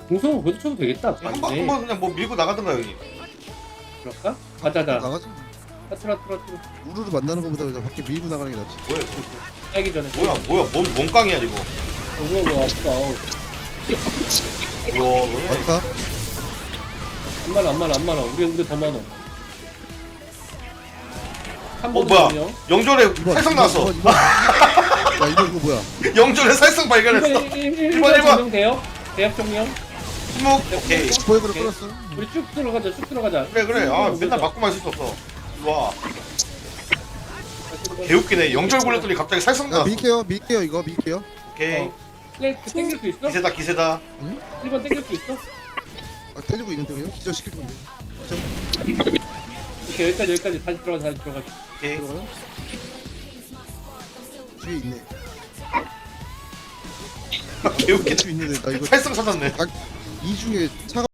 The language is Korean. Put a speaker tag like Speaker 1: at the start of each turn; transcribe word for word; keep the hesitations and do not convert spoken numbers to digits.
Speaker 1: 공성은 그래도 쳐도 되겠다.
Speaker 2: 한 번
Speaker 1: 아니네.
Speaker 2: 한 번 그냥 뭐 밀고 나가던가 여기.
Speaker 1: 그럴까? 가자자.
Speaker 3: 나가지.
Speaker 1: 트라 트라 트라.
Speaker 3: 우르르 만나는 것보다 그냥 밖에 밀고 나가는 게 낫지.
Speaker 2: 뭐야?
Speaker 1: 하기 전에.
Speaker 2: 뭐야? 뭐야? 뭔 뭔깡이야 이거?
Speaker 1: 뭐야 뭐야 아프다. 어우.
Speaker 2: 우와, 뭐야?
Speaker 3: 맞다.
Speaker 1: 안 많아 안 많아 안 많아. 우리 우리 더 많아. 한
Speaker 2: 어
Speaker 1: 번
Speaker 2: 뭐야?
Speaker 1: 더요.
Speaker 2: 영절에
Speaker 3: 이번,
Speaker 2: 살성
Speaker 3: 이번,
Speaker 2: 나왔어.
Speaker 3: 이번, 이번. 야 이거 이거 뭐야?
Speaker 2: 영절에 살성 발견했어.
Speaker 1: 일 번
Speaker 2: 일 번, 일 번.
Speaker 1: 정령 돼요? 대학 정령.
Speaker 2: 침묵. 오케이.
Speaker 3: 스포이크를
Speaker 1: 오케이.
Speaker 3: 끌었어.
Speaker 1: 우리 쭉 들어가자 쭉 들어가자.
Speaker 2: 그래 그래. 아 맨날 맞고만 있을 수 없어. 와. 개웃기네. 영절 굴렸더니 갑자기 살성
Speaker 3: 야
Speaker 2: 나왔어.
Speaker 3: 밀게요 밀게요 이거 밀게요.
Speaker 2: 오케이.
Speaker 1: 어. 네, 땡길 수 있어?
Speaker 2: 기세다 기세다.
Speaker 1: 일 번 땡길 수 있어?
Speaker 3: 아 때리고 있는데 그냥 기절 시킬 건데.
Speaker 1: 오케이 여기까지 여기까지 다시 들어가 다시 들어가.
Speaker 2: 오케이.
Speaker 3: 들어가요? 뒤에 있네.
Speaker 2: 개웃기네.
Speaker 3: 뒤에 있는데 나 이거
Speaker 2: 살성 찾았네.
Speaker 3: 이 중에 차가